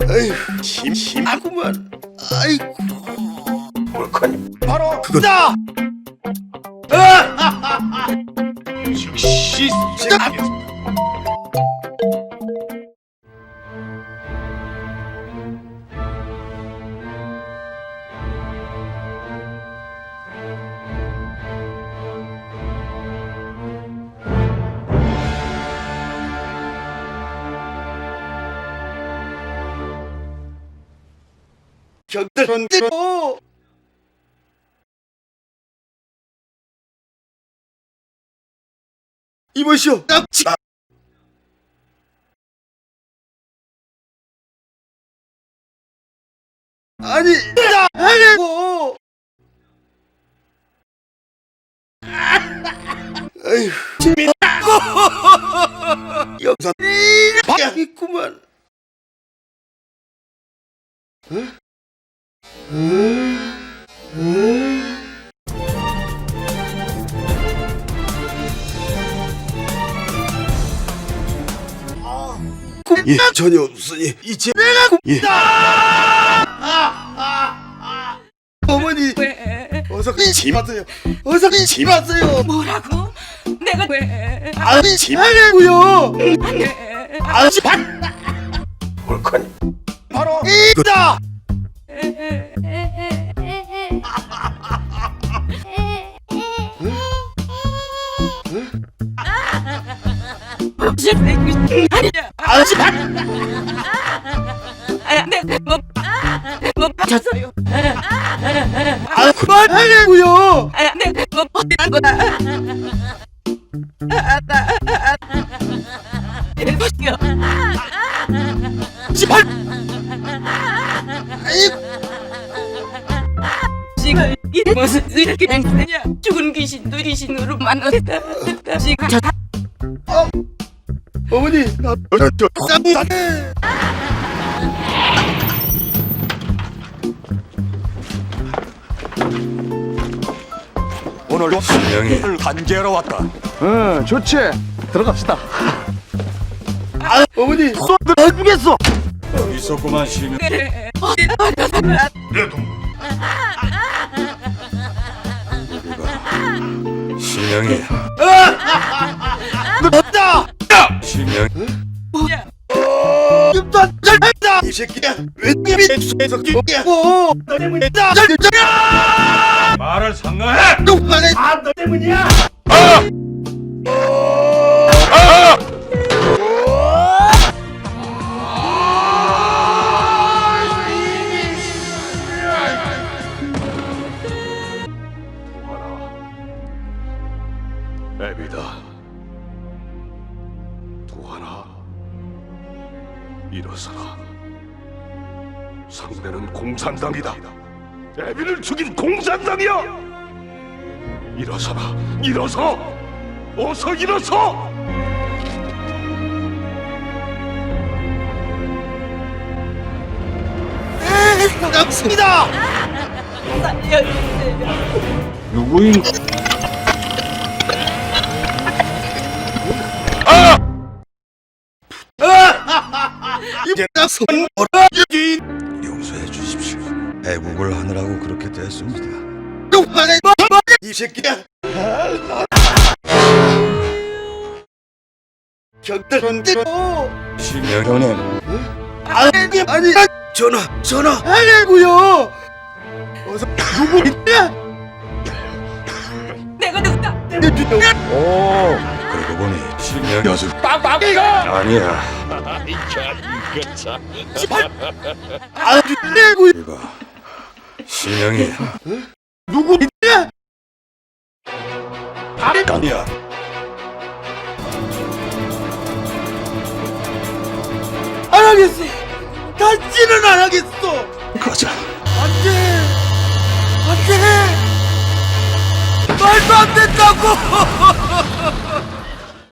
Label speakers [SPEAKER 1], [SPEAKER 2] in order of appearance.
[SPEAKER 1] 아휴, 심심하구만. 아이고,
[SPEAKER 2] 옳거니
[SPEAKER 1] 바로 그거다.
[SPEAKER 2] 즉시 시작하겠습니다.
[SPEAKER 1] 격들은대로 이보시오. 납치. 아니, 나 하려고. 아휴, 재밌다고. 영상 있구만. 예, 전혀 없으니 이제 내가 굽다. 어머니, 어서 집 왔어요. 어서 집 왔어요.
[SPEAKER 3] 뭐라고? 내가 왜?
[SPEAKER 1] 아니, 집 하려고요. 아, 집
[SPEAKER 2] 옳거니
[SPEAKER 1] 바로 이다.
[SPEAKER 3] 아니야.
[SPEAKER 1] 아직
[SPEAKER 3] 내가 뭐 맞췄어요.
[SPEAKER 1] 그만하려고요.
[SPEAKER 3] 내가 뭐 버리는 거다. 일보시오.
[SPEAKER 1] 집할.
[SPEAKER 3] 지금 이 무슨 이렇게 행세냐? 죽은 귀신도 귀신으로 만났다. 지금 저
[SPEAKER 1] 어머니, 나 쌍.
[SPEAKER 2] 오늘 신령이 간제하러 왔다.
[SPEAKER 4] 응, 좋지. 들어갑시다.
[SPEAKER 1] 아, 어머니, 쏜들 해주겠어.
[SPEAKER 2] 있었구만 신령.
[SPEAKER 3] 어디다 버려서
[SPEAKER 2] 내 동. 우리가 신령이
[SPEAKER 1] 너
[SPEAKER 2] 신령
[SPEAKER 3] 뭐야?
[SPEAKER 1] 입다 잘했다. 이 새끼야, 웬님이 수에서 끼고 너 때문이다. 잘했다.
[SPEAKER 2] 말을 상가해.
[SPEAKER 1] 똑바로 너 때문이야.
[SPEAKER 2] 애비다. 도하나 일어서라. 상대는 공산당이다. 애비를 죽인 공산당이야. 일어서라. 일어서. 어서 일어서.
[SPEAKER 1] 남습니다.
[SPEAKER 3] 살려주세요.
[SPEAKER 4] 누구인?
[SPEAKER 1] 이제 나선 뭐라 여기
[SPEAKER 5] 용서해 주십시오. 애국을 하느라고 그렇게 됐습니다.
[SPEAKER 1] 똑바로 이 새끼야. 격들은대로
[SPEAKER 2] 신령님
[SPEAKER 1] 아니 전화 하려고요. 어서 누구 있냐?
[SPEAKER 3] 내가 누구다?
[SPEAKER 4] 오,
[SPEAKER 5] 그러고 보니
[SPEAKER 2] 신령 여수
[SPEAKER 1] 빡빡이가
[SPEAKER 2] 아니야.
[SPEAKER 1] 아주 내고
[SPEAKER 2] 이봐 신령이
[SPEAKER 1] 누구 있냐?
[SPEAKER 2] 아니야.
[SPEAKER 1] 안 하겠어. 다시는 안 하겠어.
[SPEAKER 2] 가자.
[SPEAKER 1] 안돼. 안돼. 말도 안 된다고.